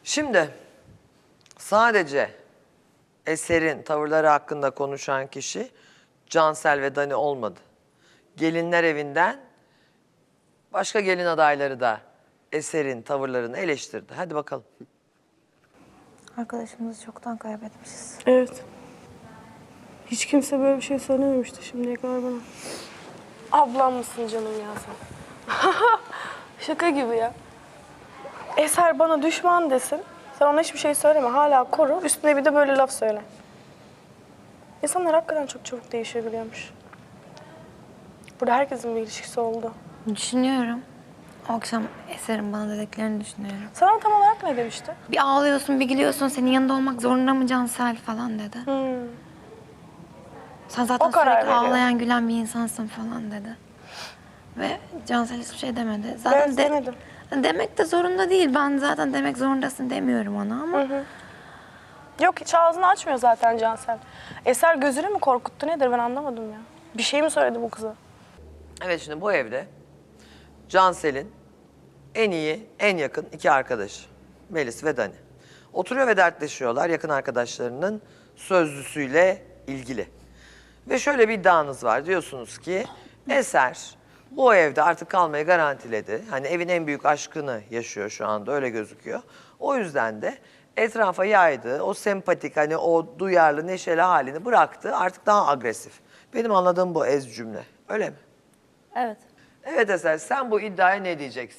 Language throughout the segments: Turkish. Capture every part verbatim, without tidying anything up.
Şimdi sadece Eser'in tavırları hakkında konuşan kişi Cansel ve Dani olmadı. Gelinler evinden başka gelin adayları da Eser'in tavırlarını eleştirdi. Hadi bakalım. Arkadaşımızı çoktan kaybetmişiz. Evet. Hiç kimse böyle bir şey söylememişti şimdiye kadar bana. Ablam mısın canım ya sen? Şaka gibi ya. Eser bana düşman desin. Sen ona hiçbir şey söyleme. Hala koru. Üstüne bir de böyle laf söyle. İnsanlar hakikaten çok çabuk değişebiliyormuş. Burada herkesin bir ilişkisi oldu. Düşünüyorum. O akşam Eser'in bana dediklerini düşünüyorum. Sana tam olarak ne demişti? Bir ağlıyorsun, bir gülüyorsun. Senin yanında olmak zorunda mı Cansel falan dedi. Hmm. Sen zaten O karar sürekli veriyor. ağlayan, gülen bir insansın falan dedi. Ve Cansel hiçbir şey demedi. Ben Zaten de, demedim. demek de zorunda değil. Ben zaten demek zorundasın demiyorum ona ama. Hı hı. Yok hiç ağzını açmıyor zaten Cansel. Eser gözünü mü korkuttu nedir ben anlamadım ya. Bir şey mi söyledi bu kıza? Evet, şimdi bu evde Cansel'in en iyi, en yakın iki arkadaşı Melis ve Dani. Oturuyor ve dertleşiyorlar yakın arkadaşlarının sözlüsüyle ilgili. Ve şöyle bir iddianız var. Diyorsunuz ki Eser bu evde artık kalmayı garantiledi. Hani evin en büyük aşkını yaşıyor şu anda, öyle gözüküyor. O yüzden de etrafa yaydığı o sempatik, hani o duyarlı, neşeli halini bıraktı. Artık daha agresif. Benim anladığım bu ez cümle. Öyle mi? Evet. Evet Eser, sen bu iddiaya ne diyeceksin?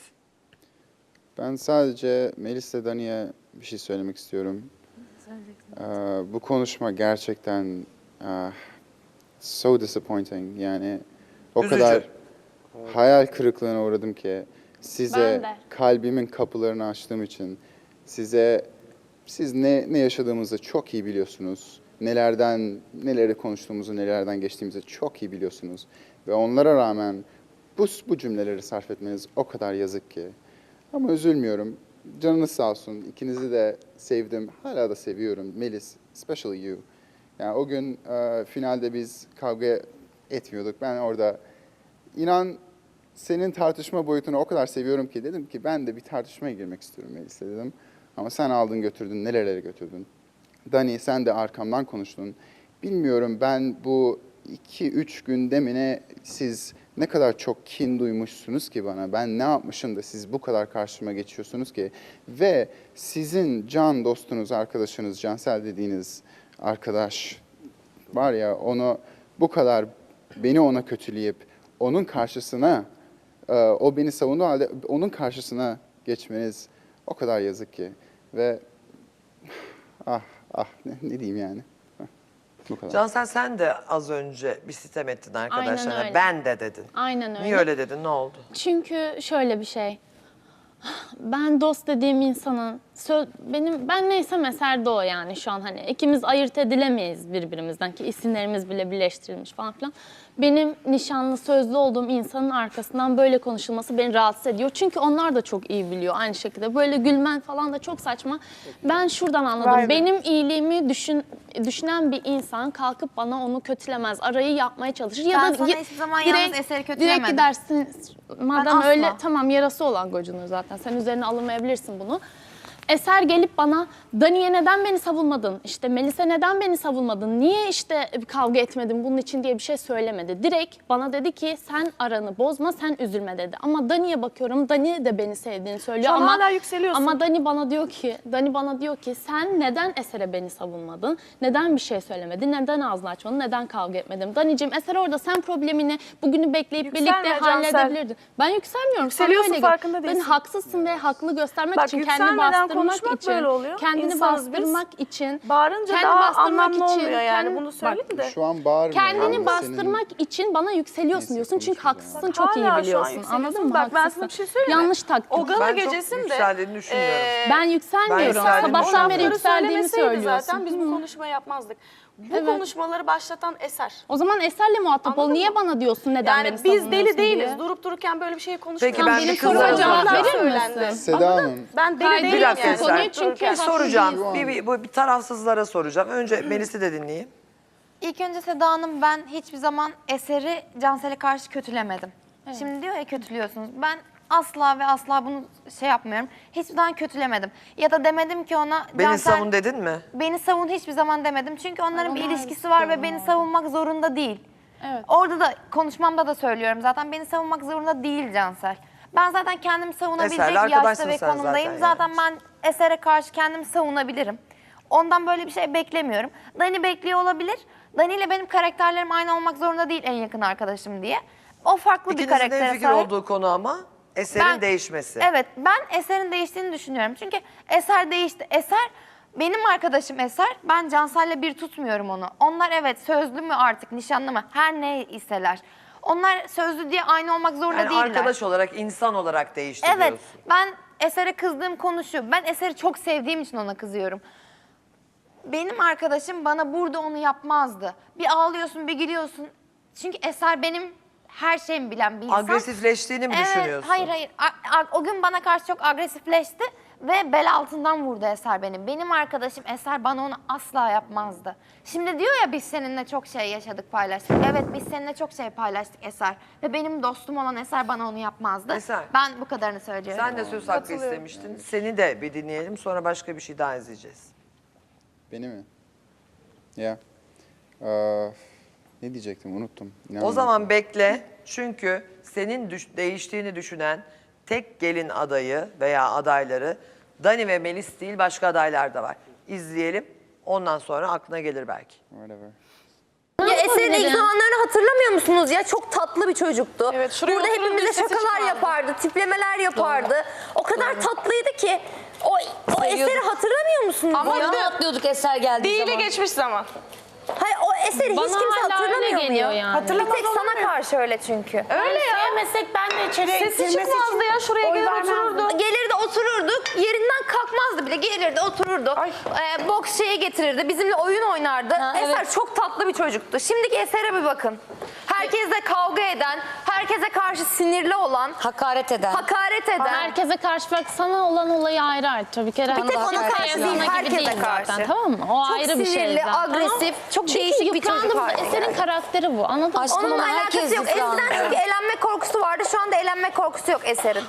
Ben sadece Melis ve Dani'ye bir şey söylemek istiyorum. Ee, bu konuşma gerçekten ah, so disappointing. Yani o Üzücü. kadar hayal kırıklığına uğradım ki size Ben de. kalbimin kapılarını açtığım için size siz ne ne yaşadığımızı çok iyi biliyorsunuz. Nelerden neleri konuştuğumuzu, nelerden geçtiğimizi çok iyi biliyorsunuz ve onlara rağmen bu bu cümleleri sarf etmeniz o kadar yazık ki. Ama üzülmüyorum. Canınız sağ olsun. İkinizi de sevdim. Hala da seviyorum. Melis, especially you. Yani o gün e, finalde biz kavga etmiyorduk. Ben orada inan senin tartışma boyutunu o kadar seviyorum ki dedim ki ben de bir tartışmaya girmek istiyorum Melis'le dedim. Ama sen aldın götürdün, nerelere götürdün. Dani sen de arkamdan konuştun. Bilmiyorum ben bu iki üç günde mi ne siz ne kadar çok kin duymuşsunuz ki bana. Ben ne yapmışım da siz bu kadar karşıma geçiyorsunuz ki. Ve sizin can dostunuz, arkadaşınız, Cansel dediğiniz arkadaş var ya onu bu kadar beni ona kötüleyip onun karşısına e, o beni savunduğu halde onun karşısına geçmeniz o kadar yazık ki. Ve ah ah ne, ne diyeyim yani. Bu kadar. Cansel, sen de az önce bir sitem ettin arkadaşlarına. Aynen öyle. Ben de dedin. Aynen öyle. Niye öyle dedin? Ne oldu? Çünkü şöyle bir şey. Ben dost dediğim insanın söz, benim ben neysem Eser de o yani şu an hani ikimiz ayırt edilemeyiz birbirimizden ki isimlerimiz bile birleştirilmiş falan filan. Benim nişanlı sözlü olduğum insanın arkasından böyle konuşulması beni rahatsız ediyor. Çünkü onlar da çok iyi biliyor aynı şekilde. Böyle gülmen falan da çok saçma. Ben şuradan anladım. Vay be. Benim iyiliğimi düşün, düşünen bir insan kalkıp bana onu kötülemez. Arayı yapmaya çalışır. Ya Ben da sana y- hiçbir zaman yalnız Eser'i Direkt kötülemedim. gidersin. Madem asla. öyle tamam yarası olan gocunur zaten. Sen üzerine alınmayabilirsin bunu. Eser gelip bana Dani'ye neden beni savunmadın? İşte Melis'e neden beni savunmadın? Niye işte kavga etmedin bunun için diye bir şey söylemedi. Direkt bana dedi ki sen aranı bozma, sen üzülme dedi. Ama Dani'ye bakıyorum. Dani de beni sevdiğini söylüyor Şu an ama hala yükseliyorsun. ama Dani bana diyor ki, Dani bana diyor ki sen neden Eser'e beni savunmadın? Neden bir şey söylemedin? Neden ağzını açmadın? Neden kavga etmedin? Dani'cim Eser orada sen problemini bugünü bekleyip Yükselme birlikte Cansel. halledebilirdin. Ben yükselmiyorum. Sana Yükseliyorsun, öyle geliyor. farkında değilsin. Ben haksızsın ve haklı göstermek Bak, için kendini yükselmeden bastırmak konuşmak için, böyle oluyor. kendini İnsanız biz. bastırmak için, Bağırınca kendi daha bastırmak anlamlı için, olmuyor yani kendi- bunu söyleyeyim de. Şu an bağırmıyorum. kendini Senin- bastırmak için bana yükseliyorsun Neyse, diyorsun çünkü konuşmayacağım. haksızsın Bak, çok iyi hala şu an biliyorsun. yükseliyorsun. Anladın mı? Bak, ben Haksızsın. sana bir şey söyleyeyim mi? Yanlış taktik. O gala Ben çok gecesinde yükseldiğini düşünmüyorum. eee, Ben yükselmiyorum. Ben yükseldiğini Sabahtan beri düşünmüyorum. yükseldiğimi söylemeseydi söylüyorsun. zaten biz bu Hı. konuşmayı yapmazdık. Bu Evet. konuşmaları başlatan Eser. O zaman Eser'le muhatap ol. Anladın Niye mı? bana diyorsun neden Yani beni biz savunuyorsun deli değiliz. diye? Durup dururken böyle bir şey konuşmuyoruz. Peki ben benim bir kızlara soruma cevap soracağım. verir Söylendi. misin? Seda Hanım. Ben deli Hayır, değilim Bir dakika yani. Konuyu Eser. çünkü Bir haklı soracağım. değilsin. Bir, bir, bu bir tarafsızlara soracağım. Önce Melis'i de dinleyeyim. İlk önce Seda Hanım ben hiçbir zaman Eser'i Cansel'e karşı kötülemedim. Şimdi diyor ya kötülüyorsunuz. Ben asla ve asla bunu şey yapmıyorum. Hiçbir zaman kötülemedim. Ya da demedim ki ona Beni Cansel, savun dedin mi? beni savun hiçbir zaman demedim. Çünkü onların bir Onu ilişkisi var ve beni savunmak zorunda değil. Evet. Orada da konuşmamda da söylüyorum zaten beni savunmak zorunda değil Cansel. Ben zaten kendimi savunabilecek Eser'le yaşta arkadaşsın ve sen konumdayım. zaten Zaten, yani. ben Eser'e karşı kendimi savunabilirim. Ondan böyle bir şey beklemiyorum. Dani bekliyor olabilir. Dani ile benim karakterlerim aynı olmak zorunda değil en yakın arkadaşım diye. O farklı bir İkinizin karaktere en fikir sahip. olduğu konu ama Eser'in Ben- değişmesi. Evet, ben Eser'in değiştiğini düşünüyorum. Çünkü Eser değişti. Eser, benim arkadaşım Eser. Ben Cansel'le bir tutmuyorum onu. Onlar evet sözlü mü artık, nişanlı mı? Her ne iseler. Onlar sözlü diye aynı olmak zorunda Yani değiller. arkadaş olarak, insan olarak değişti Evet, diyorsun. ben Eser'e kızdığım konu şu. Ben Eser'i çok sevdiğim için ona kızıyorum. Benim arkadaşım bana burada onu yapmazdı. Bir ağlıyorsun, bir gülüyorsun. Çünkü Eser benim her şeyimi bilen bir insan. Agresifleştiğini mi Evet, düşünüyorsun? hayır hayır. A- a- o gün bana karşı çok agresifleşti ve bel altından vurdu Eser benim. Benim arkadaşım Eser bana onu asla yapmazdı. Şimdi diyor ya biz seninle çok şey yaşadık, paylaştık. Evet biz seninle çok şey paylaştık Eser. Ve benim dostum olan Eser bana onu yapmazdı. Eser. Ben bu kadarını söylüyorum. Sen de söz hakkı istemiştin. Seni de bir dinleyelim, sonra başka bir şey daha izleyeceğiz. Beni mi? Ya. Aa, ne diyecektim unuttum. İnan O zaman unuttum. bekle. Çünkü senin düş- değiştiğini düşünen tek gelin adayı veya adayları Dani ve Melis değil, başka adaylar da var. İzleyelim. Ondan sonra aklına gelir belki. Whatever. Ya Eser'in ilk yapabilirim? zamanlarını hatırlamıyor musunuz ya? Çok tatlı bir çocuktu. Evet, şuraya Burada oturun hepimize bir sesi şakalar çıkardı. yapardı, tiplemeler yapardı. O kadar tatlıydı ki. O, o Eser'i hatırlamıyor musunuz Ama ya? bir de- atlıyorduk Eser geldiği Değili zaman. geçmiş zaman. Hayır, o Eser'i Bana hiç kimse hala öyle hatırlamıyor mu geliyor ya? yani. Bir tek sana karşı öyle çünkü. Öyle ya. Sevmesek ben de içeriye Sesi girmesi çıkmazdı için ya, şuraya oy gelir vermezdim. otururdu. Gelirdi otururduk, yerinden kalkmazdı bile. Gelirdi otururdu. Ay. Ee, boks şeye getirirdi, bizimle oyun oynardı. Ha, Eser evet. çok tatlı bir çocuktu. Şimdiki Eser'e bir bakın. Herkesle kavga eden, herkese karşı sinirli olan, Hakaret eden. hakaret eden. Herkese karşı bak sana olan olayı ayrı ayrı. Tabii ki Bir tek ona herkes karşı sana değil, gibi herkese değil karşı. zaten, tamam mı? O Çok ayrı bir şey sinirli, zaten. agresif, çok Çünkü değişik bir çocuk yıprandı. haline Eser'in geldi. karakteri bu. Anladın mı? Aşkım Onunla ama alakası herkes yok. yıprandı. Eskiden çünkü elenme korkusu vardı. Şu anda elenme korkusu yok Eser'in.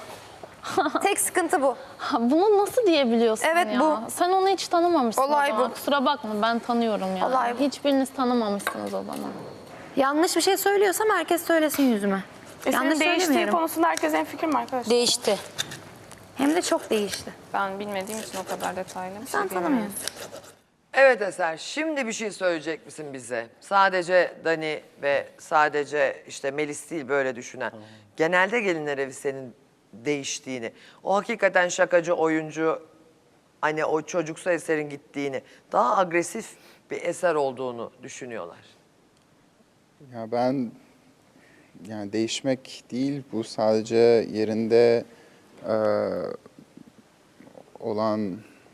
Tek sıkıntı bu. Ha, bunu nasıl diyebiliyorsun Evet, ya? bu. Sen onu hiç tanımamışsın Olay o zaman. bu. Kusura bakma ben tanıyorum ya. Olay bu. Hiçbiriniz tanımamışsınız o zaman. Yanlış bir şey söylüyorsam herkes söylesin yüzüme. Eser'in Yanlış değiştiği söylemiyorum. konusunda herkes en fikir mi arkadaşlar? Değişti. Hem de çok değişti. Ben bilmediğim için o kadar detaylı bir şey Sen diyemem. tanımıyorsun. Evet Eser, şimdi bir şey söyleyecek misin bize? Sadece Dani ve sadece işte Melis değil böyle düşünen. Genelde gelinler evi senin değiştiğini, o hakikaten şakacı oyuncu, hani o çocuksu Eser'in gittiğini, daha agresif bir Eser olduğunu düşünüyorlar. Ya ben yani değişmek değil bu sadece yerinde eee, olan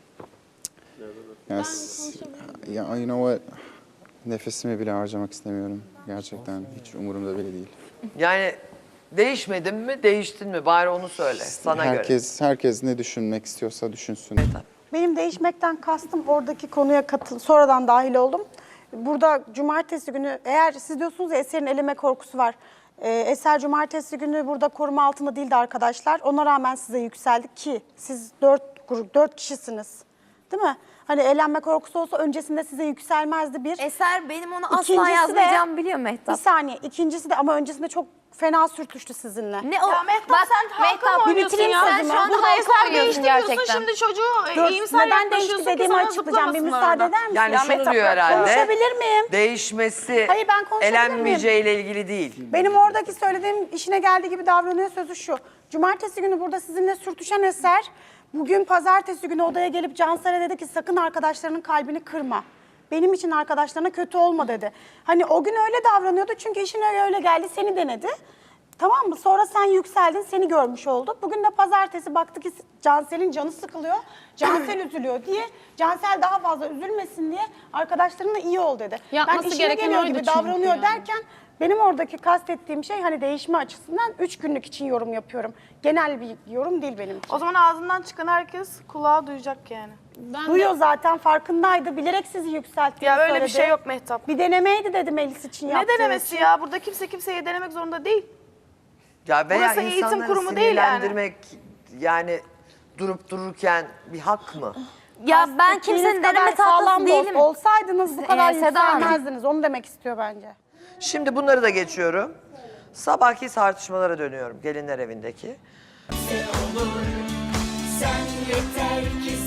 ya, s- ya you know what nefesimi bile harcamak istemiyorum gerçekten hiç umurumda bile değil. Yani değişmedin mi, değiştin mi? Bari onu söyle sana göre. herkes herkes ne düşünmek istiyorsa düşünsün. Benim değişmekten kastım oradaki konuya katıl, sonradan dahil oldum. Burada cumartesi günü eğer siz diyorsunuz ya Eser'in eleme korkusu var. Ee, Eser cumartesi günü burada koruma altında değildi arkadaşlar. Ona rağmen size yükseldik ki siz dört grup, dört kişisiniz. Değil mi? Hani elenme korkusu olsa öncesinde size yükselmezdi bir. Eser benim onu asla İkincisi de- yazmayacağımı biliyor Bir Mehtap. saniye. İkincisi de ama öncesinde çok fena sürtüştü sizinle. Ne o? Ya Mehtap Bak, sen halka Mehtap, mı oynuyorsun bitireyim ya? sözümü. Sen şu anda Burada halka Eser oynuyorsun değiştiriyorsun gerçekten. şimdi çocuğu Dur, e, iyimser neden yaklaşıyorsun değişti ki dediğimi sana açıklayacağım. Bir zıplamasın müsaade orada. eder misin? Yani Ya şunu Mehtap, diyor bak, herhalde, konuşabilir miyim? değişmesi Hayır, ben konuşabilir elenmeyeceğiyle ilgili değil. Benim oradaki söylediğim işine geldiği gibi davranıyor sözü şu. Cumartesi günü burada sizinle sürtüşen Eser, bugün pazartesi günü odaya gelip Cansel'e dedi ki sakın arkadaşlarının kalbini kırma. Benim için arkadaşlarına kötü olma dedi. Hani o gün öyle davranıyordu çünkü işine öyle geldi, seni denedi. Tamam mı? Sonra sen yükseldin, seni görmüş oldu. Bugün de pazartesi baktı ki Cansel'in canı sıkılıyor. Cansel üzülüyor diye. Cansel daha fazla üzülmesin diye arkadaşlarına iyi ol dedi. Yapması ben işine gereken geliyor oydu gibi çünkü davranıyor yani. derken benim oradaki kastettiğim şey hani değişme açısından üç günlük için yorum yapıyorum. Genel bir yorum değil benim için. O zaman ağzından çıkan herkes kulağa duyacak yani. Ben Duyuyor zaten, farkındaydı. Bilerek sizi yükselttiğini Ya öyle söyledi. bir şey yok Mehtap. Bir denemeydi dedi Melis için Ne yaptığı denemesi için. ya? Burada kimse kimseyi denemek zorunda değil. Ya veya Burası eğitim insanları kurumu değil yani. sinirlendirmek yani durup dururken bir hak mı? Ya ben Bahsettiğiniz kimsenin kadar deneme sağlam tahtası dost değilim. olsaydınız bu kadar Ee, Seda Hanım. yükselmezdiniz. Onu demek istiyor bence. Şimdi bunları da geçiyorum. Sabahki tartışmalara dönüyorum gelinler evindeki. Sen yeter ki